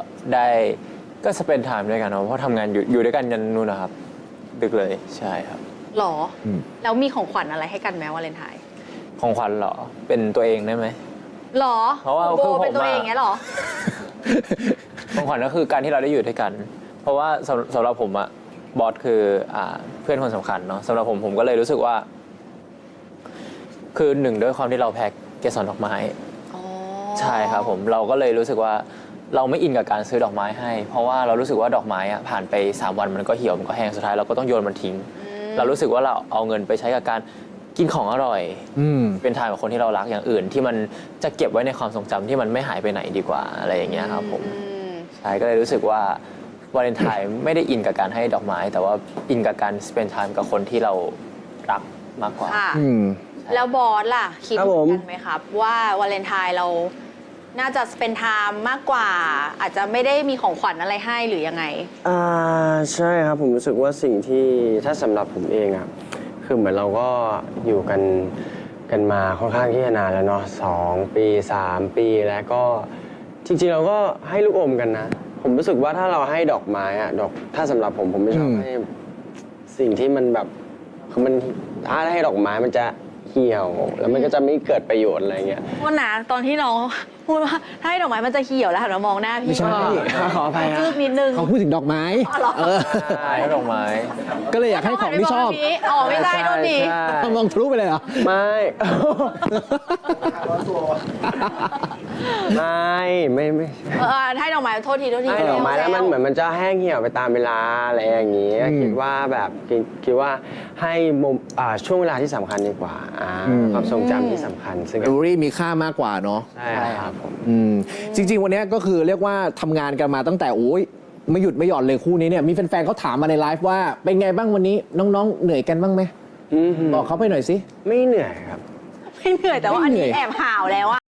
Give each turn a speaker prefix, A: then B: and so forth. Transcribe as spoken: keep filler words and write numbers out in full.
A: ได้ก็สเปนไทม์ด้วยกันเนาะเพราะทำงานอยู่อยู่ด้วยกันยันนู่นนะครับดึกเลยใช่ครับ
B: หรอแล้วมีของขวัญอะไรให้กันไหมวาเลนไทน์
A: ของขวัญเหรอเป็นตัวเองได้ไหม
B: หรอ
A: เพราะว่า
B: โบ
A: คือผม
B: เป็นตัวเองเงี้ยหรอ
A: ของขวัญก็คือการที่เราได้อยู่ด้วยกัน เพราะว่าสำสำหรับผมอะบอสคืออ่าเพื่อนคนสำคัญเนาะสำหรับผมผมก็เลยรู้สึกว่า คือหนึ่งด้วยความที่เราแพ็คเกสรดอกไม้ใช่ครับผมเราก็เลยรู้สึกว่าเราไม่อินกับการซื้อดอกไม้ให้ เพราะว่าเรารู้สึกว่าดอกไม้อะผ่านไปสามวันมันก็เหี่ยวมันก็แห้งสุดท้ายเราก็ต้องโยนมันทิ้ง เรารู้สึกว่าเราเอาเงินไปใช้กับการกินของอร่อยเป็นทางกับคนที่เรารักอย่างอื่น ที่มันจะเก็บไว้ในความทรงจำที่มันไม่หายไปไหนดีกว่าอะไรอย่างเงี้ยครับผมใช่ก็เลยรู้สึกว่าวาเลนไทน์ไม่ได้อินกับการให้ดอกไม้ แต่ว่าอินกับการ spend time กับคนที่เรารักมากกว่า
B: แล้วบอสล่ะคิดเหมือนกันไหมครับว่าวาเลนไทน์เราน่าจะเป็นไทม์มากกว่า อาจจะไม่ได้มีของขวัญอะไรให้หรือยังไง
C: อ่าใช่ครับผมรู้สึกว่าสิ่งที่ถ้าสำหรับผมเองอะคือเหมือนเราก็อยู่กันกันมาค่อนข้างที่จะนานแล้วเนาะสองปีสามปีแล้วก็จริงๆเราก็ให้ลูกอมกันนะ ผมรู้สึกว่าถ้าเราให้ดอกไม้อะดอกถ้าสำหรับผมผมไม่ชอบให้สิ่งที่มันแบบคือมันถ้าให้ดอกไม้มันจะเหี่ยวแล้วมันก็จะไม่เกิดประโยชน์อะไรเงี้ย
B: วันนะตอนที่น้องพูดว่าถ้าให้ดอกไม้มันจะเหี่ยวแล้วหันมามองหน้าพี่
D: ไม่ใช่
C: ขออภัย
B: จืดนิดนึง
D: เขาพูดถึงดอกไม้เออ
A: ใช่ดอกไม้
D: ก็เลยอยากให้ของที่ชอบ
B: อ๋อไม่ได้โดนดิ
D: มองทะลุไปเลยเหรอ
C: ไม่ ไม่ไม่ไม่
B: เออให้ดอกไม้โทษทีโทษที
C: ให้ดอกไม้แล้วมันเหมือนมันจะแห้งเหี่ยวไปตามเวลาอะไรอย่างนี้
D: อืม
C: คิดว่าแบบคิดคิดว่าให้มุมอ่าช่วงเวลาที่สำคัญดีกว่าอ่า
D: อืม
C: ความทรงจำที่สำคัญซึ่ง
D: เมมโมรี่มีค่ามากกว่าเนาะ
C: ใช่ครับผม
D: อืมจริง ๆ วันนี้ก็คือเรียกว่าทำงานกันมาตั้งแต่โอ้ยไม่หยุดไม่หย่อนเลยคู่นี้เนี่ยมีแฟนๆเขาถามมาในไลฟ์ว่าเป็นไงบ้างวันนี้น้องๆเหนื่อยกันบ้างไหม
C: อืม
D: บอกเขาไปหน่อยสิ
C: ไม่เหนื่อยครับ
B: ไม่เหนื่อยแต่ว่าอันนี้แอบห่าวแล้วอะ